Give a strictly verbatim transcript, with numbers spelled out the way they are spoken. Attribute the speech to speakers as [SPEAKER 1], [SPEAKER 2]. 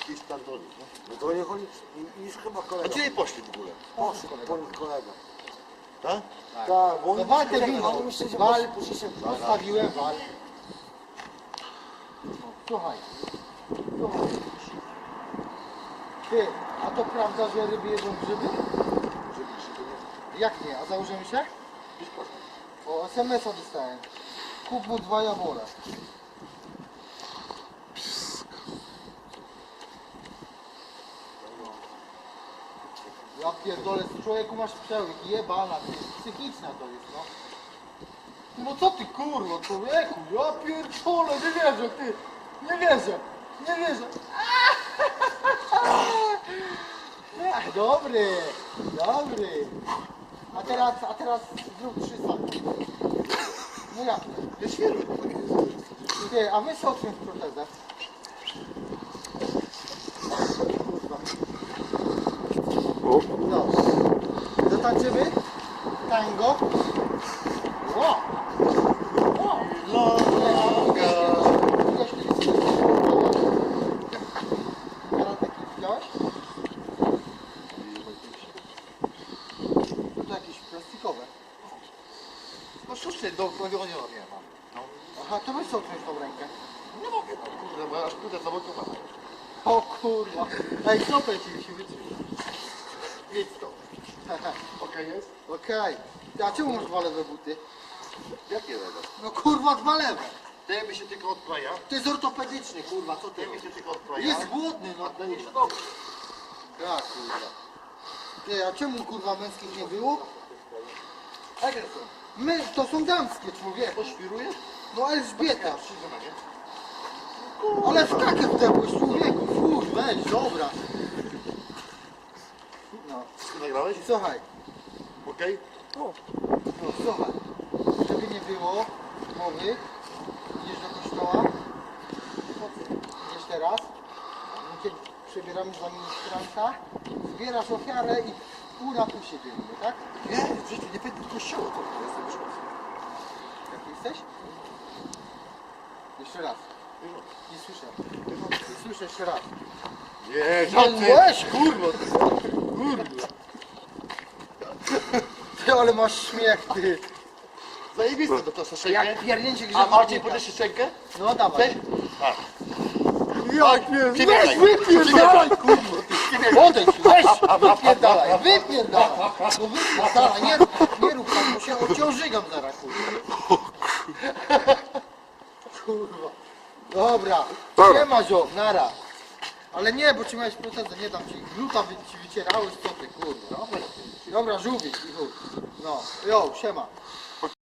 [SPEAKER 1] I startoli.
[SPEAKER 2] No to nie chodzi, i- już chyba
[SPEAKER 1] A
[SPEAKER 2] kolega.
[SPEAKER 1] gdzie poszli w ogóle?
[SPEAKER 2] Poszli po nich kolega.
[SPEAKER 1] Tak?
[SPEAKER 2] Tak, bo
[SPEAKER 3] No
[SPEAKER 2] oni
[SPEAKER 3] wal te
[SPEAKER 2] myśleli,
[SPEAKER 3] wino,
[SPEAKER 2] oni myśleli, że
[SPEAKER 3] wal,
[SPEAKER 2] poszli, poszli się...
[SPEAKER 3] postawiłem wal. Słuchaj, słuchaj. Ty, a to prawda, że ryby jedzą grzyby? Jak nie? A założymy się? O, es em es a dostałem. Kup mu dwa jawole. Ja pierdolę, z człowieku masz przełyk, jebana, ty, psychiczna to jest, no. No co ty kurwa, człowieku, ja pierdolę, nie wierzę, ty, nie wierzę, nie wierzę. Ach, dobry, dobry. A teraz, a teraz zrób trzy sami. No jak?
[SPEAKER 1] Ja świeżo.
[SPEAKER 3] Ty, a my sobie w protezę. Kurwa. No. Zatańczymy? Tango? Ło! Ło!
[SPEAKER 1] Longa.
[SPEAKER 3] Widziałeś kiedyś karateki? Widziałeś? No to jakieś plastikowe.
[SPEAKER 1] No sztuczne, do prawienia nie mam. No,
[SPEAKER 3] Aha, to weź sobie tą rękę.
[SPEAKER 1] nie mogę, no kurde, bo ja aż pójdę zablokowana.
[SPEAKER 3] O kurwa. Ej, stopę ci się wytrzy.
[SPEAKER 1] Nic to. Okej jest?
[SPEAKER 3] Okej. A czemu masz dwa lewe buty?
[SPEAKER 1] Jakie lewe?
[SPEAKER 3] No kurwa, dwa lewe.
[SPEAKER 1] Ten mi się tylko odpraja.
[SPEAKER 3] To jest ortopedyczny, kurwa, co ty
[SPEAKER 1] Ten mi
[SPEAKER 3] robisz?
[SPEAKER 1] się tylko odpraja.
[SPEAKER 3] Jest głodny, no.
[SPEAKER 1] A ten mi się dobrze.
[SPEAKER 3] Ja kurwa. Ty, a czemu kurwa męskich nie było?
[SPEAKER 1] Jakie są?
[SPEAKER 3] My, to są damskie, człowieku.
[SPEAKER 1] Poświruje?
[SPEAKER 3] No Elżbieta.
[SPEAKER 1] Ja przyjdę na nie.
[SPEAKER 3] Ale w kakę wdepłeś, człowieku. Fuj, weź, dobra. No.
[SPEAKER 1] Wszystko nagrałeś?
[SPEAKER 3] I słuchaj.
[SPEAKER 1] Okej?
[SPEAKER 3] No, słuchaj. Żeby nie było mowy, idziesz do kościoła. Idziesz teraz. My cię przebieramy za ministranta. Zbierasz ofiarę i pół na pół się dzielimy, tak?
[SPEAKER 1] Nie, w życiu nie będę do kościoła. To jestem wyrząd.
[SPEAKER 3] Jaki jesteś? Jeszcze raz. Nie słyszę. Nie słyszę jeszcze raz.
[SPEAKER 1] Nie,
[SPEAKER 3] Nie,
[SPEAKER 1] żadny.
[SPEAKER 3] weź, kurwa. Kurwa. Ty, ale masz śmiech, ty.
[SPEAKER 1] Zajebiste do to szczękę.
[SPEAKER 3] Jak pierdnięcie
[SPEAKER 1] A
[SPEAKER 3] grzechotnika.
[SPEAKER 1] Marcin, podasz szczękę?
[SPEAKER 3] No dawaj.
[SPEAKER 1] Chcesz? Tak.
[SPEAKER 3] Jak nie,
[SPEAKER 1] Przywitaj.
[SPEAKER 3] weź, wypierdalaj, kurwa. Odejdź, weź, wypierdalaj, wypierdalaj. No wypierdalaj, nie, nie rób tak, bo się ociążygam zaraz, kurwa. Kurwa. Dobra, nie ma ziom, nara. Ale nie, bo ci miałeś protezę, nie dam ci. Gluta wy, ci wycierałeś, co ty, kurwa. Dobra, żółwik i chuj. No, jo, siema.